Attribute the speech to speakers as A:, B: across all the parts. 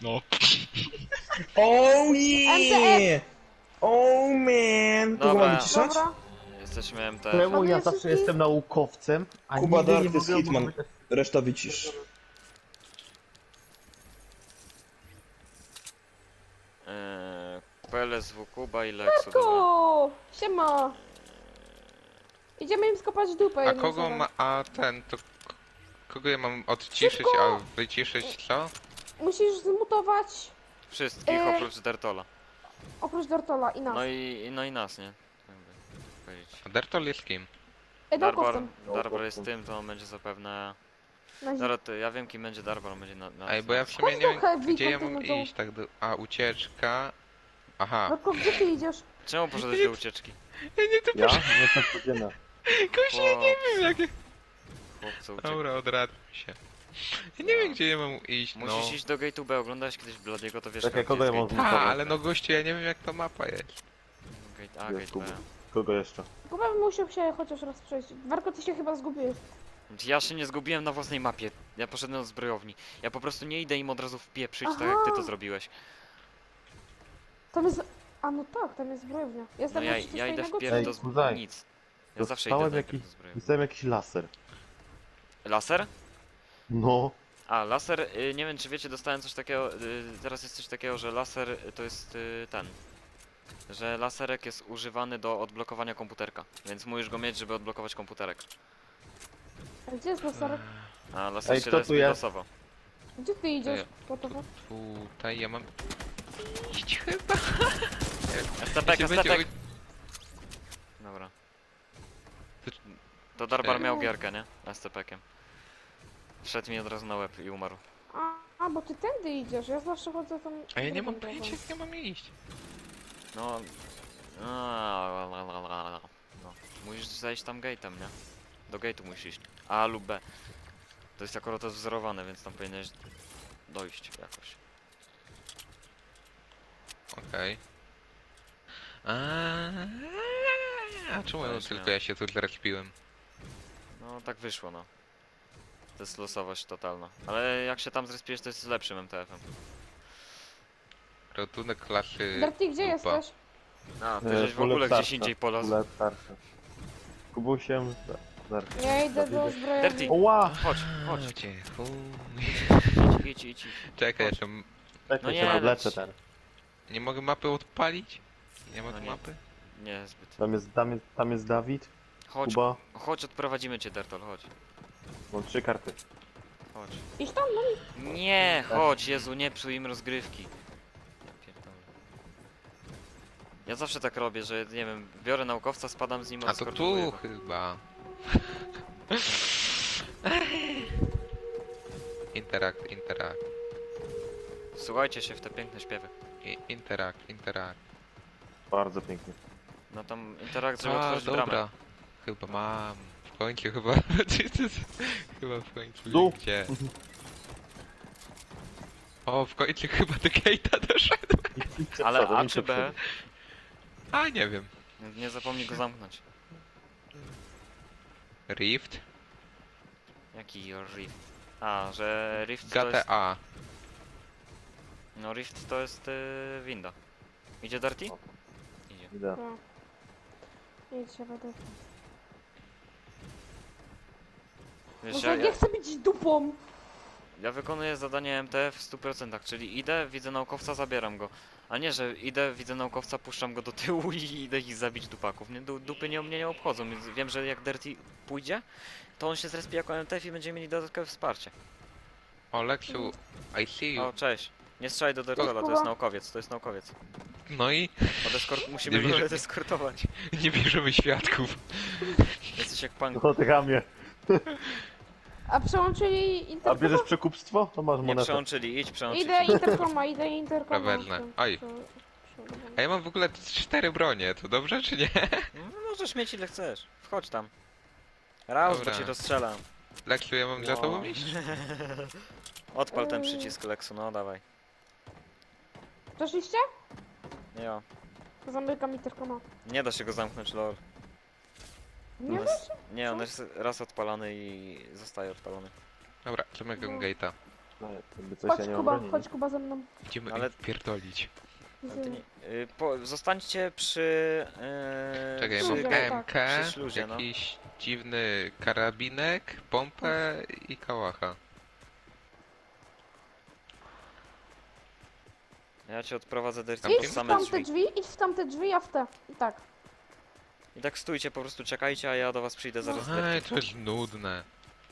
A: No.
B: Oh yeah! Oh man! Kogo
C: Dobra.
B: mam wyciszać?
D: Dobra.
C: Jesteśmy MTF.
E: Czemu ja
D: Ładuje
E: zawsze
D: wszystkich?
E: jestem naukowcem, a
B: Kuba
E: nigdy nie
B: Darkness
E: mogę
B: Hitman.
E: być...
B: Reszta wycisz.
C: PLSW Kuba i Lexu, dobra.
D: Ku! Siema! Idziemy im skopać dupę.
A: A
D: jednym
A: kogo
D: słowem.
A: ma... A ten to... Kogo ja mam odciszyć,
D: Szybko!
A: a wyciszyć co?
D: Musisz zmutować
C: Wszystkich oprócz Dertola.
D: oprócz Dortola i nas.
C: No i nas, nie? Jakby powiedzieć.
A: A Dertol jest kim?
C: Darbar,
D: Naukowcem.
C: Darbar jest tym, to on będzie zapewne...
D: Na zi-
C: Dobra, to ja wiem kim będzie Darbar, on będzie na
A: Ej, bo ja w
D: Chodź
A: sumie nie wiem,
D: trochę,
A: gdzie ja
D: Wiktor,
A: mam
D: ty no to-
A: iść, tak do... A, ucieczka... Aha.
D: Dorko, gdzie ty idziesz?
C: Czemu poszedłeś do ucieczki?
A: Ja nie to
E: Ja? No to codziennie.
A: Koś, ja nie wiem jakie...
C: Chłopcu, uciekł.
A: Dobra, odradzam się. Ja nie wiem, gdzie ja mam iść, no.
C: Musisz iść do gate'u B, oglądałeś kiedyś Bladiego, to wiesz
E: Czekaj,
C: gdzie
E: kogo
C: jest
E: ja mam
C: gate.
E: zmutować?
A: Ale no gościu, ja nie wiem jak ta mapa jest.
C: Gate A,
E: Jest
C: gate B.
E: Kuba. Kogo jeszcze?
D: Chyba bym musiał się chociaż raz przejść. Warko, ty się chyba zgubiłeś.
C: Ja się nie zgubiłem na własnej mapie. Ja poszedłem do zbrojowni. Ja po prostu nie idę im od razu wpieprzyć, tak jak ty to
D: Aha.
C: zrobiłeś.
D: Tam jest... A no tak, tam jest zbrojownia.
C: No
D: Jestem
C: ja
D: na
C: idę
D: 300
C: wpierw
E: Ej,
C: do
E: Kuzaj,
C: nic. Ja zawsze idę
E: Dostałem
C: najpierw
E: jakiś...
C: do zbrojowni.
E: Dostałem jakiś laser.
C: Laser?
E: No.
C: A, laser, nie wiem czy wiecie, dostałem coś takiego, teraz jest coś takiego, że laser to jest ten. Że laserek jest używany do odblokowania komputerka, więc musisz go mieć, żeby odblokować komputerek.
D: A gdzie jest laserek?
C: A laser
E: Ej,
C: się
E: kto tu
C: respi
E: jest?
C: losowo.
D: Gdzie ty idziesz?
A: Ej.
D: Gotowe?
A: Tutaj ja mam... Iść chyba.
C: STPek,
A: Jeśli będzie
C: STPek! Dobra. To Darbar
A: Ej.
C: miał gierkę, nie? STPkiem. Wszedł mi od razu na łeb i umarł.
D: Bo ty tędy idziesz, ja zawsze chodzę tam...
A: A ja nie mam
D: drugą
A: pojęcia
D: drogą.
A: jak ja mam iść.
C: No... No. Musisz zejść tam gate'em, nie? Do gate'u musisz iść. A lub B. To jest akurat wzorowane, więc tam powinieneś dojść jakoś.
A: Okej. A czemu
C: Weź,
A: tylko
C: nie.
A: ja się tu zrespiłem?
C: No tak wyszło, no. To jest losowość totalna. Ale jak się tam zrespiesz, to jest lepszym MTF-em.
A: Rotunek klasy...
D: Darty, gdzie
A: dupa.
D: jesteś?
C: A, ty żeś w ogóle gdzieś indziej polazł.
E: Kule starsze. Kubusiem... Dark.
D: Ja idę do
C: Dirty.
D: zbrojowni.
E: Oła!
C: Chodź, chodź.
A: Chodźcie, fuj.
C: Idź.
A: Czekaj,
C: Chodź.
A: jeszcze...
E: Czekaj,
C: No nie,
E: się podleczę
C: leć.
E: ten.
A: Nie mogę mapy odpalić? Nie ma
C: No
A: tu
C: nie.
A: mapy?
C: Nie, zbyt.
E: Tam jest Dawid,
C: Chodź,
E: Kuba.
C: chodź, odprowadzimy cię, Dertol, chodź.
E: Mam 3 karty.
C: Chodź.
D: Idź tam, no
C: Nie, chodź, Jezu, nie psuj im rozgrywki. Ja pierdolę. Ja zawsze tak robię, że nie wiem, biorę naukowca, spadam z nim,
A: A to
C: odskakowuję
A: tu
C: go.
A: chyba. Interakt.
C: Słuchajcie się w te piękne śpiewy.
A: Interakt.
E: Bardzo pięknie.
C: No tam interakcja, żeby
A: A,
C: otworzyć
A: dobra.
C: bramę.
A: Chyba mam. W końcu chyba. Chyba w końcu.
E: Du.
A: Gdzie? O, w końcu chyba do gate'a doszedłem.
E: Idźcie
C: Ale
E: przodem,
C: A
E: idźcie
C: czy B?
E: przodem.
A: A, nie wiem.
C: Nie zapomnij go zamknąć.
A: Rift?
C: Jaki Rift? A, że Rift to jest...
A: GTA.
C: No Rift to jest winda. Idzie Darty?
E: O.
C: Idzie.
E: Idę.
D: idź się będę.
C: Wiesz,
D: Może
C: ja,
D: nie chcę być dupą!
C: ja wykonuję zadanie MTF w 100%, czyli idę, widzę naukowca, zabieram go. A nie, że idę, widzę naukowca, puszczam go do tyłu i idę ich zabić dupaków. Nie, dupy mnie nie obchodzą, więc wiem, że jak Dirty pójdzie, to on się zrespi jako MTF i będziemy mieli dodatkowe wsparcie.
A: O, Lexu, I see you.
C: O, cześć. Nie strzelaj do Dirtola, to jest naukowiec, to jest naukowiec.
A: No i
C: Musimy
A: Nie
C: go
A: wierzę.
C: eskortować.
A: nie bierzemy świadków.
C: Jesteś jak pan.
E: No te ramię.
D: A przełączyli
E: A
D: interkoma?
E: bierzesz przekupstwo? To masz
C: Nie
E: monetę.
C: przełączyli, idź przełączyć.
D: Idę interkoma.
A: Prawedne. Oj. A ja mam w ogóle 4 bronie, to dobrze czy nie?
C: No, możesz mieć ile chcesz. Wchodź tam. Raz, bo
A: Dobra.
C: ci rozstrzelam.
A: Lexu, ja mam za
E: No.
A: tobą iść?
C: Odpal ten przycisk Lexu, no dawaj.
D: Przeszliście?
C: Nie,
D: Zamykam interkoma.
C: nie da się go zamknąć, lol.
D: Nie
C: On
D: da
C: jest-
D: się?
C: Nie, on jest raz odpalony i zostaje odpalony.
A: Dobra, zamykam gate'a.
E: No, jakby coś ja nie mam broni.
D: Chodź Kuba ze mną.
A: Idziemy
C: Ale-
A: ale... pierdolić.
C: Ale ty nie, zostańcie przy...
A: Czekaj, ja
C: przy,
A: mam
D: Śluzie,
A: MK,
C: przy śluzie, no.
A: jakiś dziwny karabinek, pompę i kałacha.
C: Ja cię odprowadzę do
A: Tam
D: Idź
A: kim?
D: w
C: same
D: tamte
C: drzwi.
D: drzwi, idź w tamte drzwi, a w te. I tak.
C: I tak stójcie, po prostu czekajcie, a ja do was przyjdę zaraz.
A: Ej, to jest nudne.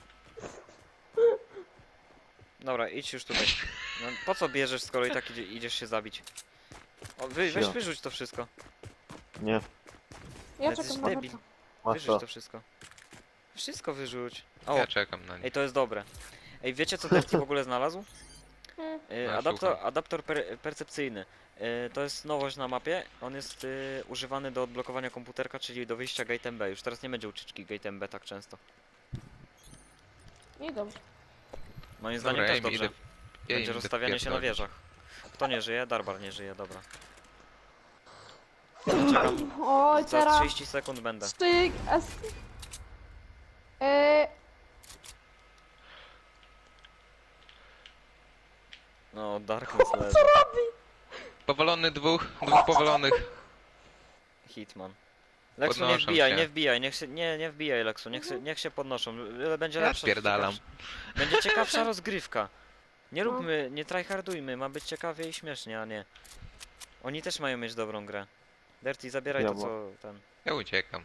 C: Dobra, idź już tutaj. No, po co bierzesz, skoro i tak idziesz się zabić? O, weź
E: Sio.
C: wyrzuć to wszystko.
E: Nie,
D: Ja
C: Jesteś
D: czekam na
C: debil.
D: Berta.
E: masz
C: Wyrzuć
E: to.
C: to wszystko. Wszystko wyrzuć. O,
A: Ja czekam na nie.
C: ej, to jest dobre. Ej, wiecie co Derty w ogóle znalazł?
A: No, słucham.
C: Adaptor percepcyjny. To jest nowość na mapie. On jest używany do odblokowania komputerka, czyli do wyjścia Gate MB. Już teraz nie będzie ucieczki Gate MB tak często.
D: I dobrze.
C: Moim zdaniem
A: Dobra,
C: też
A: ja im
C: dobrze.
A: idę. Ja
C: Będzie
A: im idę
C: rozstawianie się na
A: wpierdolić.
C: wieżach. Kto nie żyje? Darbar nie żyje, dobra. Ja czekam.
D: Oj,
C: Za
D: teraz.
C: 30 sekund będę.
D: Styk.
C: No, Darkness leży.
A: Powalony dwóch powalonych.
C: Hitman. Lexu, nie
A: Podnoszą
C: wbijaj,
A: się.
C: nie wbijaj, nie wbijaj Lexu, niech się podnoszą. Będzie
A: Ja
C: lepsza,
A: spierdalam.
C: będzie ciekawsza rozgrywka. Nie
D: No.
C: róbmy, nie tryhardujmy, ma być ciekawie i śmiesznie, a nie. Oni też mają mieć dobrą grę. Dirty, zabieraj to
E: Diabło.
C: co ten.
A: Ja uciekam.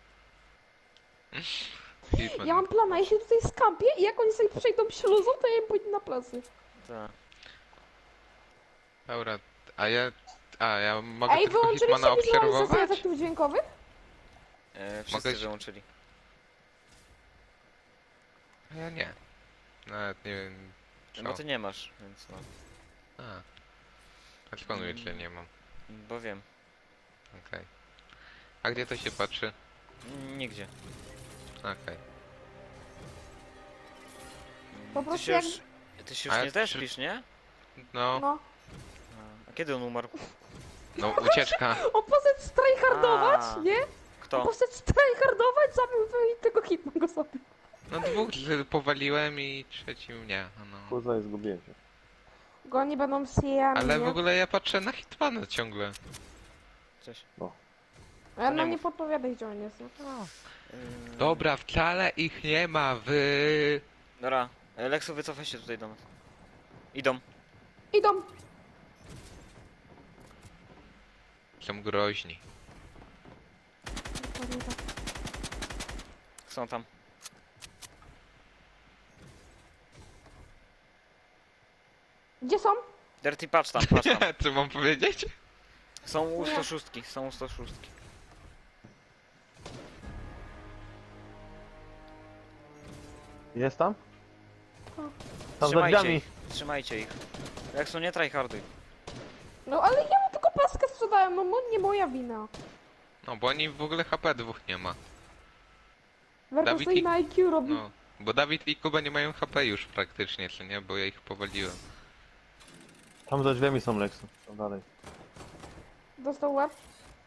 A: Hitman.
D: Ja mam plana, ja się tutaj skampię i jak oni sobie przejdą śluzą, to ja im pójdę na plecy.
C: Ta.
A: Dobra, a ja mogę
D: Ej,
A: tylko
D: wyłączyliście
A: Hitmana
D: wizualizację
A: obserwować?
D: efektów dźwiękowych?
C: Wszyscy
A: Mogę się-
C: wyłączyli.
A: A ja nie. Nawet nie wiem co.
C: No ty nie masz, więc no.
A: A skąd wiesz, że nie mam?
C: Bo wiem.
A: Okej. A gdzie to się patrzy?
D: Po
C: Nigdzie. Ty
D: prostu
C: się
D: jak...
C: już, ty się już
A: Ale
C: nie
A: czy-
C: tespisz, nie?
A: No,
D: No.
C: A kiedy on umarł?
A: no ucieczka.
D: On poszedł strajhardować,
C: A.
D: nie? On
C: Kto?
D: poszedł strajhardować, zabił i tego Hitman go zabił.
A: No dwóch powaliłem i trzeci mnie. No.
E: Kurwa, zgubiłem się.
D: Go oni będą sijami,
A: Ale w
D: nie?
A: ogóle ja patrzę na Hitmana ciągle.
C: Cześć.
D: A ja
C: nie
D: nam nie
C: mów.
D: podpowiadaj, gdzie on jest. No.
A: Dobra, wcale ich nie ma w...
C: Dobra, Lexu, wycofaj się tutaj do nas. Idą.
D: Idą.
A: Są groźni.
D: Dokładnie tak.
C: Są tam.
D: Gdzie są?
C: Dirty, patrz tam, patrz tam.
A: Co mam powiedzieć?
C: Są u 106, są u 106.
E: Jest tam? Tam za
C: Trzymajcie
E: drzwiami.
C: ich, trzymajcie ich. Lexu, nie tryharduj.
D: No ale ja mu tylko paskę sprzedałem, no nie moja wina.
A: No bo oni w ogóle HP dwóch nie ma.
D: Werka
A: Dawid
D: stoi
A: i-
D: na IQ robi.
A: No. Bo Dawid i Kuba nie mają HP już praktycznie, co nie? Bo ja ich powaliłem.
E: Tam za drzwiami są Lexu. Tam dalej.
D: Dostał łeb.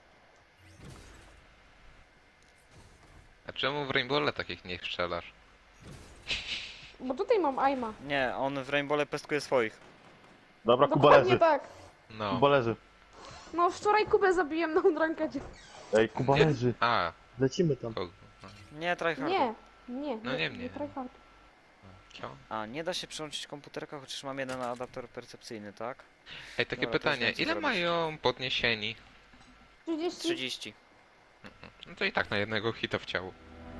A: A czemu w Rainbowle takich nie strzelasz?
D: Bo tutaj mam aima.
C: Nie, on w Rainbowle pestkuje swoich.
E: Dobra, Kuba
D: Dokładnie
E: leży.
D: tak.
A: No.
E: Kuba leży.
D: No wczoraj Kubę zabiłem na unrankedzie.
E: Ej, Kuba
A: Nie.
E: leży.
A: A,
E: Lecimy tam.
A: kogo?
C: Nie tryharduj.
D: Nie,
A: No nie mnie.
D: nie tryhard.
A: Co?
C: A, nie da się przełączyć komputerka, chociaż mam jeden adapter percepcyjny, tak?
A: Ej, takie
C: Dobra, to
A: pytanie,
C: wiem, co
A: ile
C: zrobić.
A: mają podniesieni?
D: 30.
C: 30.
A: No to i tak na jednego hita w ciało.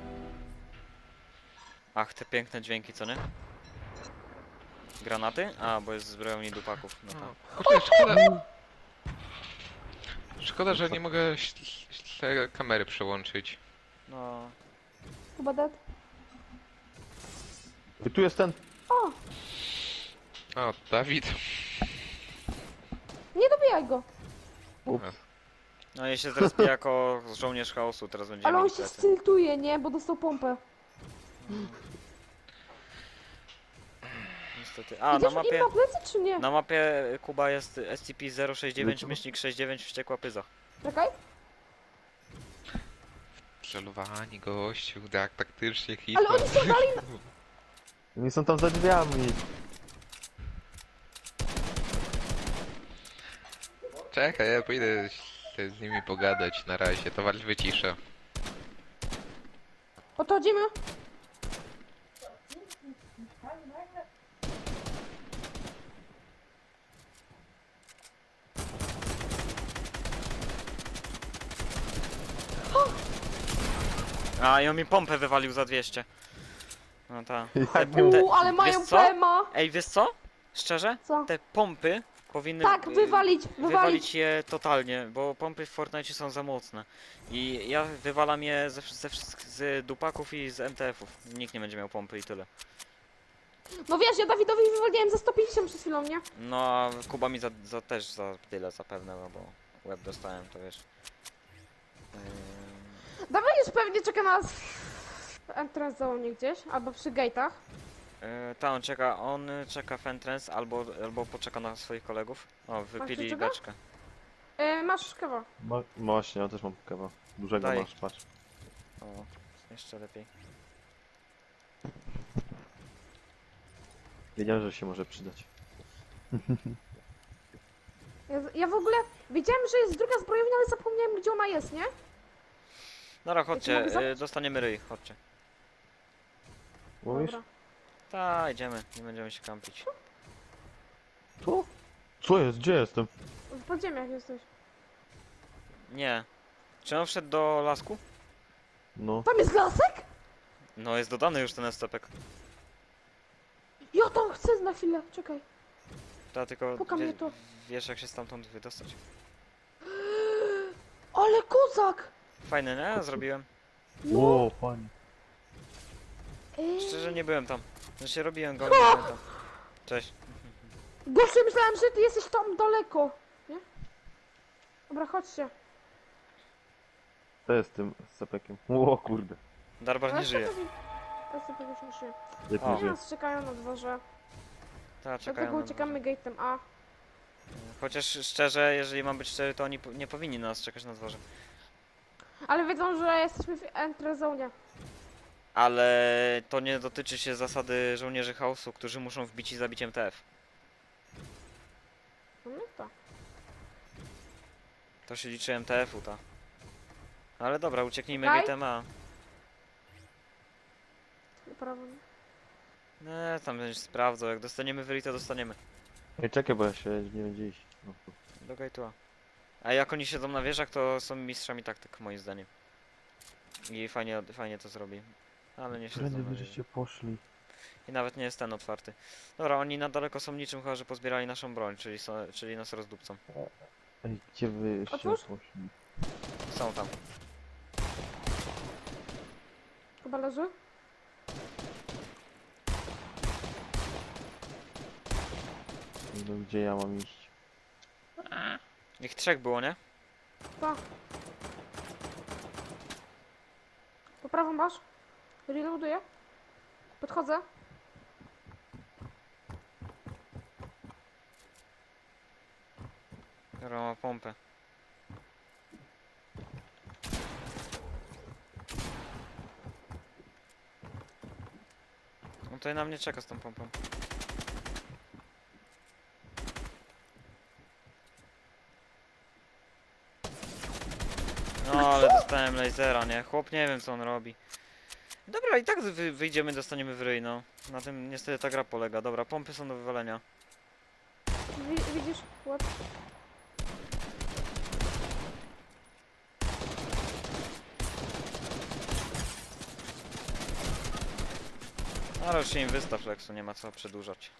C: Ach, te piękne dźwięki, co nie? Granaty? A, bo jest zbrojowni dupaków. No tak.
A: Kurde, szkoda... Szkoda, że nie mogę te kamery przełączyć.
C: No,
D: Kuba dead.
E: I tu jest ten.
D: O,
A: O, Dawid.
D: nie dobijaj go.
C: no ja się teraz piję jako żołnierz chaosu, teraz będziemy
D: Ale on
C: mieli
D: się
C: plecy.
D: styltuje, nie? Bo dostał pompę.
C: Niestety. A, na
D: Idziesz im
C: mapie...
D: na plecy, czy nie?
C: Na mapie Kuba jest SCP-069-69 wściekła pyza.
D: Czekaj.
A: Celowani gościu, tak, taktycznie
D: Ale
A: Hitman.
D: oni są dalej
E: Oni są tam za drzwiami.
A: Czekaj, ja pójdę z nimi pogadać na razie, to walcz wyciszę.
D: Podchodzimy.
C: A, i on mi pompę wywalił za 200. No ta.
E: Jak nie
D: Ale mają
C: wiesz co?
D: PMA.
C: Ej, wiesz co? Szczerze?
D: Co?
C: Te pompy powinny
D: Tak, wywalić.
C: wywalić je totalnie, bo pompy w Fortnite są za mocne. I ja wywalam je ze wszystkich z dupaków i z MTF-ów. Nikt nie będzie miał pompy i tyle.
D: No wiesz, ja Dawidowi wywaliłem za 150 przed chwilą, nie?
C: No a Kuba mi też za tyle zapewne, no bo łeb dostałem, to wiesz.
D: Dawid już pewnie czeka nas w entrance zone gdzieś, albo przy gate'ach.
C: Ta, on czeka w entrance albo poczeka na swoich kolegów. O, wypili
D: czego?
C: beczkę.
D: Masz kawa.
E: Właśnie, ja też mam kawa. Dużego
C: Daj.
E: masz, patrz.
C: O, jeszcze lepiej.
E: Wiedziałem, że się może przydać.
D: Ja w ogóle wiedziałem, że jest druga zbrojownia, ale zapomniałem, gdzie ona jest, nie?
C: Dobra, chodźcie,
D: mogę zacząć?
C: dostaniemy ryj, chodźcie.
E: Mówisz?
D: Dobra.
C: Ta, idziemy, nie będziemy się kampić.
E: Co? Co jest? Gdzie jestem?
D: W podziemiach jesteś.
C: Nie. Czy on wszedł do lasku?
E: No.
D: Tam jest lasek?
C: No, jest dodany już ten SCP.
D: Ja tam chcę na chwilę, czekaj.
C: Ta, tylko
D: Puka mnie to.
C: wiesz jak się stamtąd wydostać.
D: Ale kozak!
C: Fajny, nie? Zrobiłem.
D: No.
E: Ło, panie.
C: Szczerze nie byłem tam. Znaczy robiłem go, ale nie byłem tam. Cześć.
D: Gościu, myślałem, że ty jesteś tam daleko, nie? Dobra, chodźcie.
E: To jest tym SCP-kiem. Ło, kurde.
C: Darbar nie żyje.
D: Ja sobie już nie żyję.
E: Jak
C: O.
E: nie
D: Oni
E: żyje.
D: nas czekają na dworze.
C: Ta, czekają
D: Dlatego
C: na
D: uciekamy gate'em A.
C: Chociaż szczerze, jeżeli mam być szczery, to oni nie powinni na nas czekać na dworze.
D: Ale wiedzą, że jesteśmy w entrance zone.
C: Ale to nie dotyczy się zasady żołnierzy chaosu, którzy muszą wbić i zabić MTF.
D: No to.
C: To się liczy MTF-u, ta. Ale dobra, ucieknijmy
D: Czekaj.
C: gate'em A.
D: Prawo.
C: Nie, tam będziesz sprawdzał, jak dostaniemy wyli, to dostaniemy.
E: Ej, czekaj, bo ja się nie będzie iść. No,
C: Do gate'u A. A jak oni siedzą na wieżach, to są mistrzami taktyk, moim zdaniem. I fajnie to zrobi. Ale nie siedzą
E: Prędzej
C: na
E: wy
C: wieży.
E: żeście poszli.
C: I nawet nie jest ten otwarty. Dobra, oni na daleko są niczym, chyba że pozbierali naszą broń, czyli nas rozdupcą.
E: Ej, gdzie wyście
D: Otwórz.
E: poszli?
C: Są tam.
D: Chyba leży?
E: No, gdzie ja mam iść?
C: Ich 3 było, nie?
D: Pa. Po prawo masz? Reloaduję. Podchodzę.
C: Dobra, ma pompę. On tutaj na mnie czeka z tą pompą. No ale dostałem lasera, nie? Chłop nie wiem co on robi. Dobra, i tak wyjdziemy, dostaniemy w ryj, no. Na tym niestety ta gra polega. Dobra, pompy są do wywalenia.
D: Widzisz? Łap.
C: Ale już się im wystaw, Lexu, nie ma co przedłużać.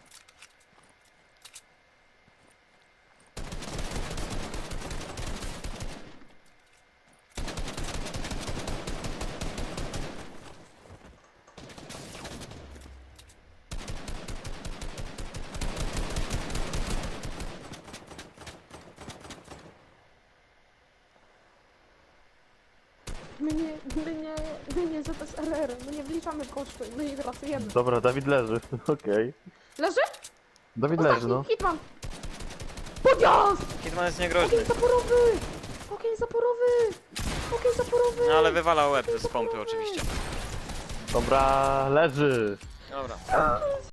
D: My nie ZSRR, my nie wliczamy koszty, my ich rasujemy.
E: Dobra, Dawid leży. Okej.
D: Leży?
E: Dawid leży,
D: Ostatni
E: no.
D: hitman! Podjazd!
C: Hitman jest niegroźny.
D: Ogień zaporowy! Ogień zaporowy! Ogień zaporowy!
C: No ale wywala łeb z pompy oczywiście.
E: Dobra, leży.
C: Dobra.